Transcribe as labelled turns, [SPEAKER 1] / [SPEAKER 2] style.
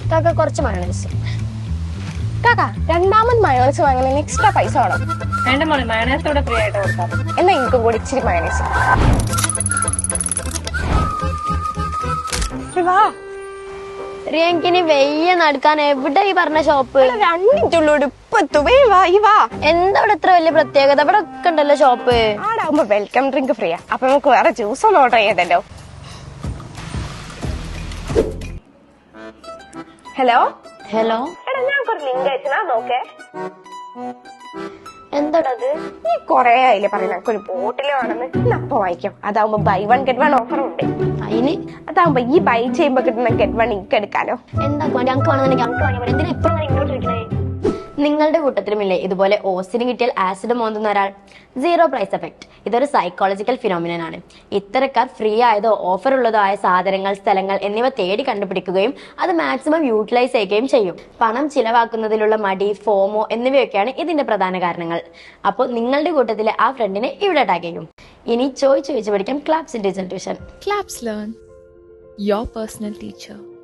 [SPEAKER 1] കാക്ക കുറച്ച് മയോണൈസ്.
[SPEAKER 2] കാക്ക രണ്ടാമത് മയോണൈസ് വാങ്ങുന്നതിന് എക്സ്ട്രാ പൈസ വേണം.
[SPEAKER 3] വേണ്ട മോളെ, മയോണൈസ് ഇവിടെ ഫ്രീ ആയിട്ട് കൊടുക്കാം.
[SPEAKER 2] എന്നാ എനിക്കും കൂടി ഇച്ചിരി മയോണൈസ്. വാ
[SPEAKER 1] റിയങ്കിന് വെയ്യ നടക്കാൻ എവിടെ ഈ പറഞ്ഞ ഷോപ്പ്?
[SPEAKER 2] 2 മിനിറ്റുള്ളൂ, ഇപ്പൊ എത്തും. വാ ഈ വാ.
[SPEAKER 1] എന്താ ഇവിടെ ഇത്ര വലിയ പ്രത്യേകത? ഇവിടെ ഒക്കെ ഉണ്ടല്ലോ ഷോപ്പ്.
[SPEAKER 2] ആടാവുമ്പോ വെൽക്കം ഡ്രിങ്ക് ഫ്രീയാ. അപ്പൊ നമുക്ക് വേറെ ജ്യൂസ് ഒന്നും ഓർഡർ ചെയ്തല്ലോ. ഹലോ
[SPEAKER 1] ഹലോ,
[SPEAKER 2] എടാ ഞങ്ങൾക്കൊരു ലിങ്ക് അയച്ചാ നോക്കേ.
[SPEAKER 1] എന്താടത്?
[SPEAKER 2] നീ കൊറേ ആയില്ലേ പറയുന്ന ഒരു ബോട്ടില് വേണമെന്ന്. അപ്പൊ വായിക്കാം. അതാവുമ്പോ ബൈ 1 get 1 ഓഫർ ഉണ്ട്.
[SPEAKER 1] അതിന്
[SPEAKER 2] അതാവുമ്പോ ഈ ബൈ ചെയ്യുമ്പോ കിട്ടുന്ന get 1 ഇക്ക് എടുക്കാലോ.
[SPEAKER 1] എന്താ ഞങ്ങൾക്ക് വേണമെന്നുണ്ടെങ്കിൽ ഞങ്ങൾക്ക് വാങ്ങിയാൽ എന്തിനാ ഇപ്പോഴും ഇങ്ങോട്ട് ചോദിക്കണേ? നിങ്ങളുടെ കൂട്ടത്തിലുമില്ലേ ഇതുപോലെ ഓസിന് കിട്ടിയാൽ ആസിഡ് മോന്തുന്ന ഒരാൾ? സീറോ പ്രൈസ് എഫക്ട് ഇതൊരു സൈക്കോളജിക്കൽ ഫിനോമിനൻ ആണ്. ഇത്തരക്കാർ ഫ്രീ ആയതോ ഓഫർ ഉള്ളതോ ആയ സാധനങ്ങൾ, സ്ഥലങ്ങൾ എന്നിവ തേടി കണ്ടുപിടിക്കുകയും അത് മാക്സിമം യൂട്ടിലൈസ് ചെയ്യുകയും ചെയ്യും. പണം ചിലവാക്കുന്നതിലുള്ള മടി, ഫോമോ എന്നിവയൊക്കെയാണ് ഇതിന്റെ പ്രധാന കാരണങ്ങൾ. അപ്പോൾ നിങ്ങളുടെ കൂട്ടത്തിലെ ആ ഫ്രണ്ടിനെ ഇവിടെ ടാഗ് ചെയ്യും. ഇനി ചോദിച്ചു പഠിക്കാം Claps in digital tuition.
[SPEAKER 4] Claps Learn, your personal teacher.